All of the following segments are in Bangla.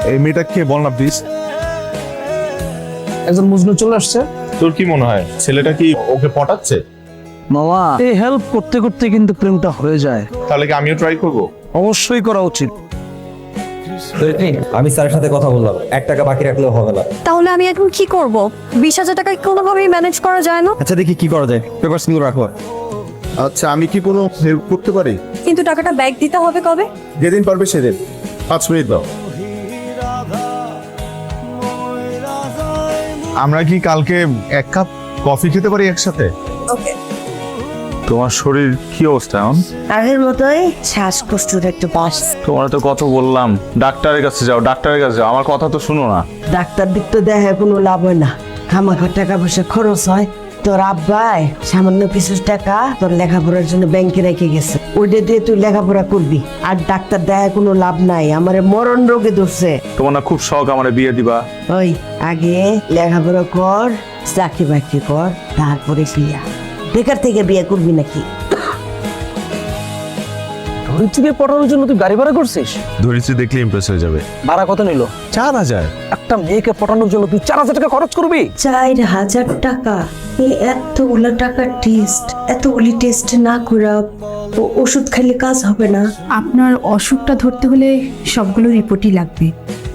এই মেয়েটা কে বল না প্লিজ। একজন মজনু চলে আসছে। তোর কি মনে হয় ছেলেটা কি ওকে পটাচ্ছে? মামা, এই হেল্প করতে করতে কিন্তু প্রেমটা হয়ে যায়। তাহলে কি আমিও ট্রাই করব? অবশ্যই করা উচিত। আমি স্যারের সাথে কথা বললাম, 1 টাকা বাকি রাখলেও হবে না। তাহলে আমি এখন কি করব? 20,000 টাকা কোনোভাবেই ম্যানেজ করা যায় না? আচ্ছা দেখি কি করা যায়, পেপারস গুলো রাখো। আচ্ছা আমি কি কোনো হেল্প করতে পারি? কিন্তু টাকাটা ব্যাক দিতে হবে কবে? যেদিন পারবে সেদিন। 5 মিনিট দাও। আমরা কি কালকে 1 কাপ কফি খেতে পারি একসাথে? ওকে। তোমার শরীর কি অবস্থা এখন? আগের মতোই শ্বাসকষ্টের একটু বাস। তোমার তো কত বললাম ডাক্তারের কাছে যাও, ডাক্তারের কাছে যাও, আমার কথা তো শুনো না। ডাক্তার দিক তো দেখে কোনো লাভ হয় না, খামাখা টাকা পয়সা খরচ হয়। তোর আব্বাই সামান্য কিছু টাকা তোর লেখাপড়ার জন্য ব্যাংকে রেখে গেছে, ওইটা দিয়ে তুই লেখাপড়া করবি। আর ডাক্তার দেখে কোনো লাভ নাই, আমার মরণ রোগে ধরছে। তোমার না খুব শখ আমার বিয়ে দিবা? ওই আগে লেখাপড়া কর, চাকরি বাকরি কর, তারপরে বিয়া। বেকার থেকে বিয়ে করবি নাকি? ধরিত্রীকে পটানোর জন্য তুই গাড়ি ভাড়া করছিস? ধরিত্রী দেখলে ইমপ্রেস হয়ে যাবে। ভাড়া কত নিল? 4000। একটা মেয়েকে পটানোর জন্য তুই 4000 টাকা খরচ করবি? 4,000 টাকা? এই এতগুলো টাকা টেস্ট, এতগুলি টেস্ট না করে ওষুধ খাইলে কাজ হবে না? আপনার অসুখটা ধরতে হলে সবগুলো রিপোর্টই লাগবে।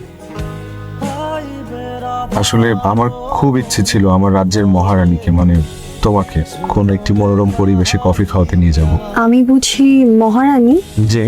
আসলে আমার খুব ইচ্ছে ছিল আমার রাজ্যের মহারানীকে মানে তোমাকে কোন একটি মনোরম পরিবেশে কফি খাওয়াতে নিয়ে যাব। আমি বুঝি মহারানী? যে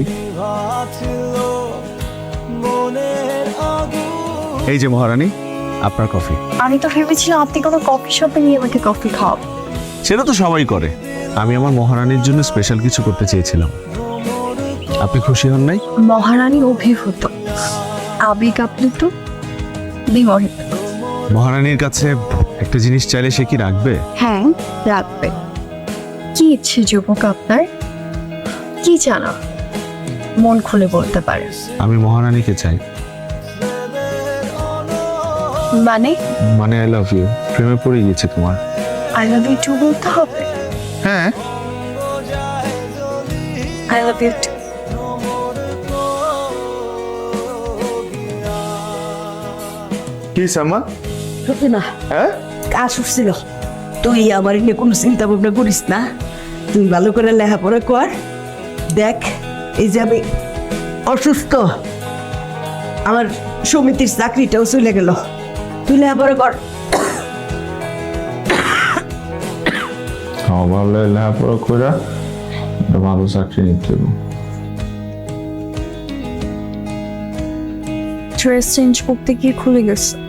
এই যে মহারানী, আপনার কফি। আমি তো ভেবেছিলাম আপনি কোনো কফি শপে নিয়ে আমাকে কফি খাওয়াবেন। সেটা তো সবাই করে, আমি আমার মহারানীর জন্য স্পেশাল কিছু করতে চেয়েছিলাম। আপনি খুশি হন নাই? মহারানী অভিভূত, আবেগ আপ্লুত, বিমোহিত। মহারানীর কাছে একটা জিনিস চাইলে সে কি রাখবে? হ্যাঁ, রাখবে। কি ইচ্ছে যুবক আপনার? কি জানা, মন খুলে বলতে পারে। আমি মহারানীকে চাই। মানে আই লাভ ইউ, প্রেমে পড়ে গিয়েছে তোমার। আই লাভ ইউ টু বলতে হবে? হ্যাঁ। I love you too. কি সামা? সত্যি না, হ্যাঁ কাজ উঠছিল। তুই আমার নিয়ে কোনো চিন্তা ভাবনা করিস না, তুই ভালো করে লেখাপড়া কর। দেখ এই যে আমি অসুস্থ, আমার সমিতির চাকরিটাও চলে গেল, তুই লেখাপড়া কর। ভালো লেখাপড়া করে ভালো চাকরি নিতে হবে। ড্রেস চেঞ্জ করতে গিয়ে খুলে গেছে।